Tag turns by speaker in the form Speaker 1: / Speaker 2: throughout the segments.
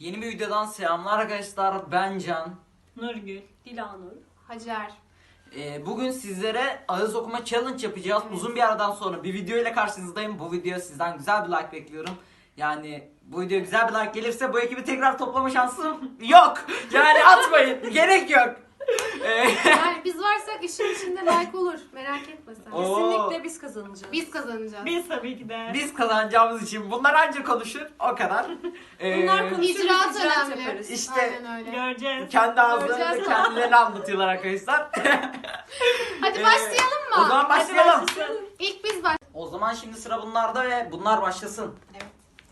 Speaker 1: Yeni bir videodan selamlar arkadaşlar. Ben Can.
Speaker 2: Nurgül, Dilanur.
Speaker 3: Hacer.
Speaker 1: Bugün sizlere ağız okuma challenge yapacağız.
Speaker 3: Evet.
Speaker 1: Uzun bir aradan sonra bir video ile karşınızdayım. Bu video sizden güzel bir like bekliyorum. Yani bu video güzel bir like gelirse bu ekibi tekrar toplama şansım yok. Yani atmayın. Gerek yok.
Speaker 3: Yani biz varsak işin içinde like olur. Merak etme sen.
Speaker 1: Oo.
Speaker 2: Kesinlikle biz kazanacağız.
Speaker 3: Biz kazanacağız.
Speaker 2: Biz tabii ki de.
Speaker 1: Biz kazanacağımız için bunlar anca konuşur. O kadar.
Speaker 2: Bunlar konuşur,
Speaker 3: İcraat
Speaker 2: biz icraat
Speaker 3: önemli.
Speaker 2: yaparız.
Speaker 1: İşte
Speaker 3: Aynen öyle.
Speaker 2: Göreceğiz.
Speaker 1: kendi ağızlarıyla
Speaker 3: Göreceğiz.
Speaker 1: kendilerini anlatıyorlar arkadaşlar.
Speaker 3: Hadi başlayalım mı?
Speaker 1: O zaman başlayalım.
Speaker 3: İlk biz baş.
Speaker 1: O zaman şimdi sıra bunlarda ve bunlar başlasın.
Speaker 3: Evet.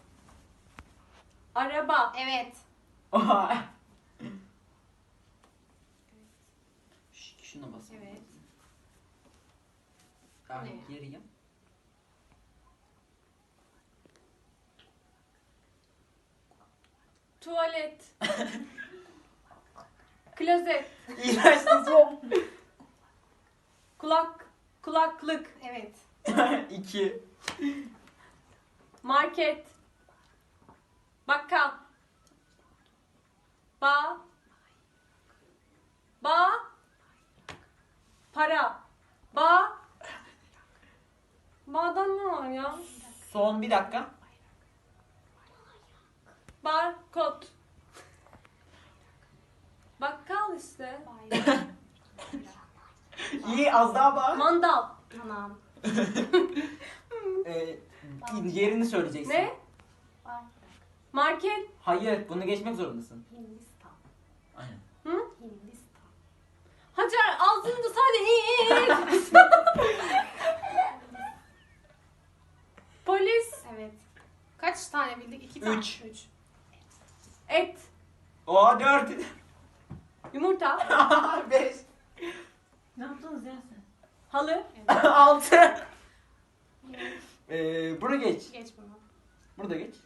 Speaker 2: Araba.
Speaker 3: Evet.
Speaker 1: Oha. Şuna basın.
Speaker 3: Evet.
Speaker 1: Ben
Speaker 3: Ne?
Speaker 1: geriyim.
Speaker 2: Tuvalet. Klozet.
Speaker 1: İğrençsin son.
Speaker 2: Kulaklık.
Speaker 3: Evet.
Speaker 1: 2.
Speaker 2: Market. Bakkal. Ba. Para. Ba'dan ne var ya?
Speaker 1: Son bir dakika.
Speaker 2: Barkod. Bakkal işte.
Speaker 1: İyi az daha bağır.
Speaker 2: Mandal.
Speaker 3: Tamam.
Speaker 1: Ee, yerini söyleyeceksin.
Speaker 2: Ne? Market.
Speaker 1: Hayır bunu geçmek zorundasın.
Speaker 3: Hindistan.
Speaker 1: Aynen.
Speaker 2: Hı?
Speaker 3: Hindistan.
Speaker 2: Hacer ağzını da sadece Polis.
Speaker 3: Evet. Kaç tane bildik? 2 tane.
Speaker 1: Üç.
Speaker 3: 3.
Speaker 2: Et.
Speaker 1: O 4.
Speaker 2: Yumurta.
Speaker 1: 5.
Speaker 2: Ne yaptınız ya sen? Halı.
Speaker 1: 6. Bunu geç.
Speaker 3: Geç bunu.
Speaker 1: Bunu da geç.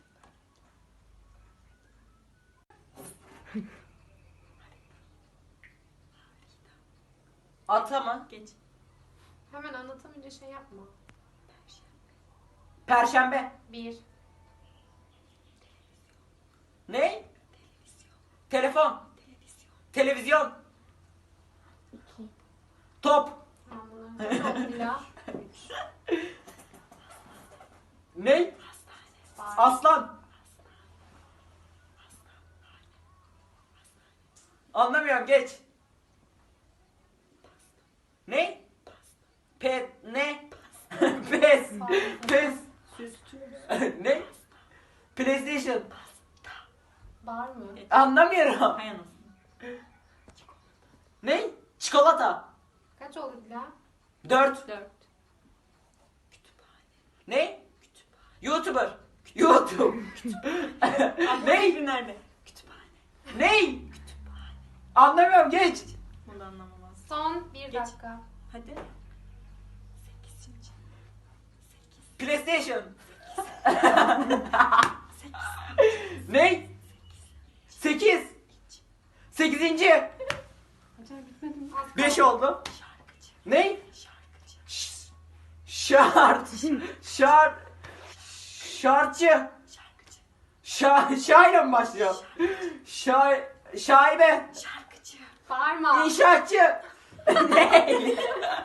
Speaker 1: Atama.
Speaker 2: Geç.
Speaker 3: Hemen anlatamayınca şey yapma.
Speaker 1: Perşembe.
Speaker 3: 1.
Speaker 1: Ne? Telefon. Televizyon. Top.
Speaker 3: Tamam bunu. Çok Dila. 3.
Speaker 1: Ne?
Speaker 3: Bağır.
Speaker 1: Aslan. Anlamıyorum geç. Ne? Pet ne? Pes. Pes. Ne? PlayStation.
Speaker 3: Bağır mı?
Speaker 1: Anlamıyorum.
Speaker 2: Hay anasını.
Speaker 1: Ne? Çikolata.
Speaker 3: Kaç oldu Dila?
Speaker 1: 4.
Speaker 2: 4.
Speaker 1: Ne? YouTuber. YouTube. Ne?
Speaker 2: Nerede?
Speaker 1: Ne? Anlamıyorum geç.
Speaker 2: Bunu da anlamamaz.
Speaker 3: Son 1
Speaker 2: Geç.
Speaker 3: dakika.
Speaker 2: Hadi.
Speaker 1: PlayStation. Ne? 8. 8.
Speaker 3: Hacer bitmedi mi? Az
Speaker 1: 5
Speaker 3: kaldı.
Speaker 1: oldu. Ne? Şart. Şartçı. Şair'e mi başlıyor? Şaibe.
Speaker 3: Bağırma.
Speaker 1: İnşaatçı. Ne?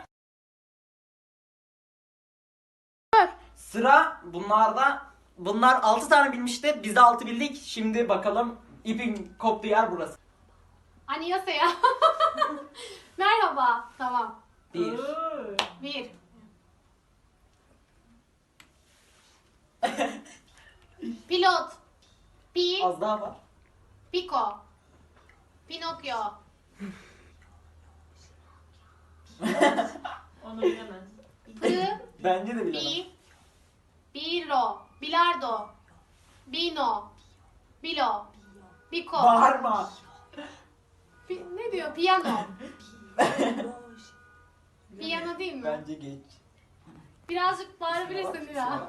Speaker 1: Sıra bunlarda. Bunlar 6 tane bilmişti. Biz de 6 bildik. Şimdi bakalım ipin koptuğu yer burası.
Speaker 3: Annyeonghaseyo. Merhaba. Tamam.
Speaker 1: 1.
Speaker 3: 1. Pilot. Pi.
Speaker 1: Az daha var.
Speaker 3: Pico. Pinokyo.
Speaker 2: Onu bilemez.
Speaker 3: P.
Speaker 1: Bence de bilemem.
Speaker 3: Bi. Biro. Bilardo. Bino. Bilo. Biko.
Speaker 1: Bağırma.
Speaker 3: Ne diyor? Piyano. Piyano değil mi?
Speaker 1: Bence geç.
Speaker 3: Birazcık bağırabilirsin ya.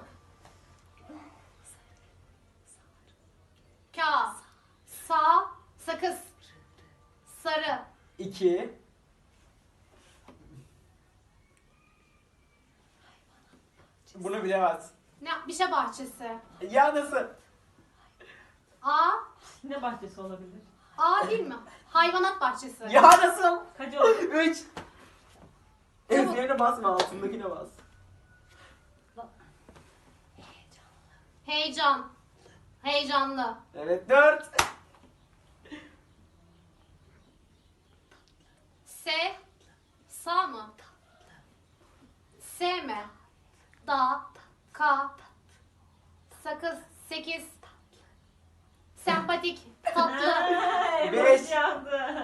Speaker 3: Ka. Sa. Sakız. Sarı.
Speaker 1: 2. Bunu bilemez.
Speaker 3: Ne? Bir şey bahçesi.
Speaker 1: Ya nasıl?
Speaker 3: A.
Speaker 2: Ne bahçesi olabilir?
Speaker 3: A değil mi? Hayvanat bahçesi.
Speaker 1: Ya nasıl?
Speaker 2: Kaç oldu?
Speaker 1: 3. Ezberine basma, altındakine bas.
Speaker 3: Heyecan. Heyecanlı.
Speaker 1: Evet, 4.
Speaker 3: S. Sa mı? S mi? Da. Ka. Sakız. 8. Sempatik. Tatlı.
Speaker 1: Beş.
Speaker 2: Evet yandı.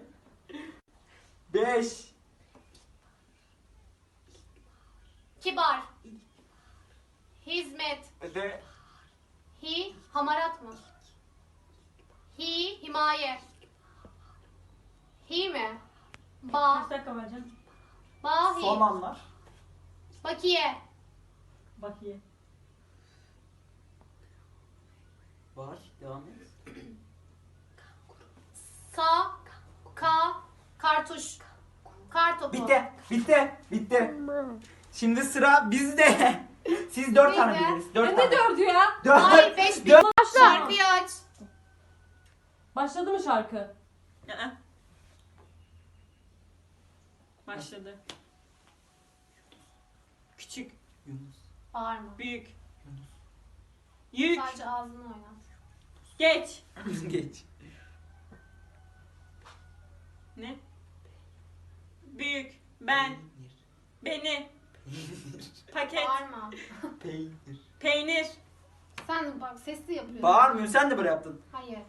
Speaker 1: 5.
Speaker 3: Kibar. Hizmet.
Speaker 1: De.
Speaker 3: Hi. Hamarat mı? Hi. Himaye. Hi mi? Ba.
Speaker 2: Kaç dakika var canım?
Speaker 3: Bahi.
Speaker 1: Son anlar.
Speaker 3: Bakiye.
Speaker 2: Bakayım.
Speaker 1: Var. Devam et.
Speaker 3: Sa. Ka. Kartuş. Kartopu.
Speaker 1: Bitti. Bitti. Bitti. Şimdi sıra bizde. Siz 4 tane
Speaker 3: Neydi?
Speaker 1: bildiniz. 4
Speaker 2: Ne
Speaker 1: tane.
Speaker 2: dördü ya?
Speaker 1: 4.
Speaker 3: Ay 5 bin. Şarkıyı aç.
Speaker 2: Başladı mı şarkı? Başladı. Küçük,
Speaker 1: Yunus.
Speaker 3: Bağırma.
Speaker 2: büyük, yük,
Speaker 3: Sadece ağzını oynat.
Speaker 2: geç.
Speaker 1: Geç.
Speaker 2: Ne? Büyük, ben, beni, paket,
Speaker 3: Bağırma.
Speaker 1: Peynir.
Speaker 2: peynir,
Speaker 3: Sen bak sesli yapıyorsun.
Speaker 1: Bağırmıyor. Sen de böyle yaptın.
Speaker 3: Hayır.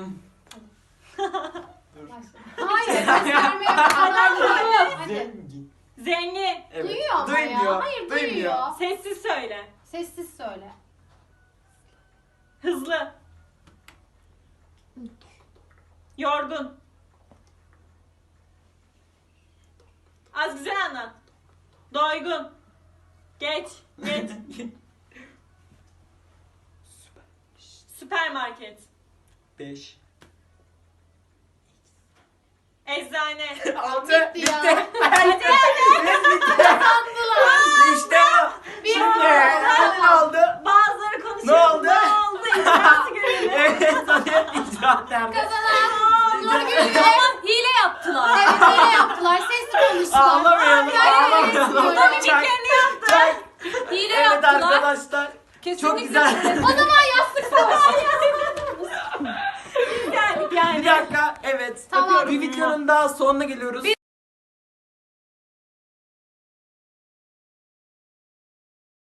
Speaker 1: Dur.
Speaker 3: Başla. Hayır gösterme yok. Hadi.
Speaker 1: Zengin.
Speaker 2: zengin.
Speaker 1: Evet.
Speaker 3: Duyuyor ama
Speaker 1: Duymuyor.
Speaker 3: ya. Hayır duyuyor.
Speaker 2: Sessiz söyle.
Speaker 3: Sessiz söyle.
Speaker 2: Hızlı. Yorgun. Az güzel anlat. Doygun. Geç. Geç. Süpermarket.
Speaker 1: 5.
Speaker 2: Eczane.
Speaker 1: 6.
Speaker 3: Bitti
Speaker 1: Bitti.
Speaker 3: ya.
Speaker 1: Hadi. İşte bu.
Speaker 3: Bir
Speaker 1: Şimdi
Speaker 3: oldu.
Speaker 1: ne oldu?
Speaker 2: Bazıları konuşuyor.
Speaker 1: Ne oldu?
Speaker 2: Ne oldu? İcraatı görelim.
Speaker 1: Evet, sana icraat nerede?
Speaker 3: Kazanan Nurgül ve
Speaker 2: Hile yaptılar.
Speaker 3: evet öyle yaptılar. Sesli konuştular.
Speaker 1: Ağlamayalım, ağlamayalım.
Speaker 3: Ağlamayalım.
Speaker 1: Çak,
Speaker 2: yaptı.
Speaker 1: çak.
Speaker 2: Hile
Speaker 1: Evet
Speaker 2: yaptılar.
Speaker 1: arkadaşlar. Çok güzel.
Speaker 3: O zaman yastık savaşı.
Speaker 2: Yani
Speaker 1: Bir dakika, evet.
Speaker 3: Tamam.
Speaker 1: Bir videonun daha sonuna geliyoruz.
Speaker 2: Bir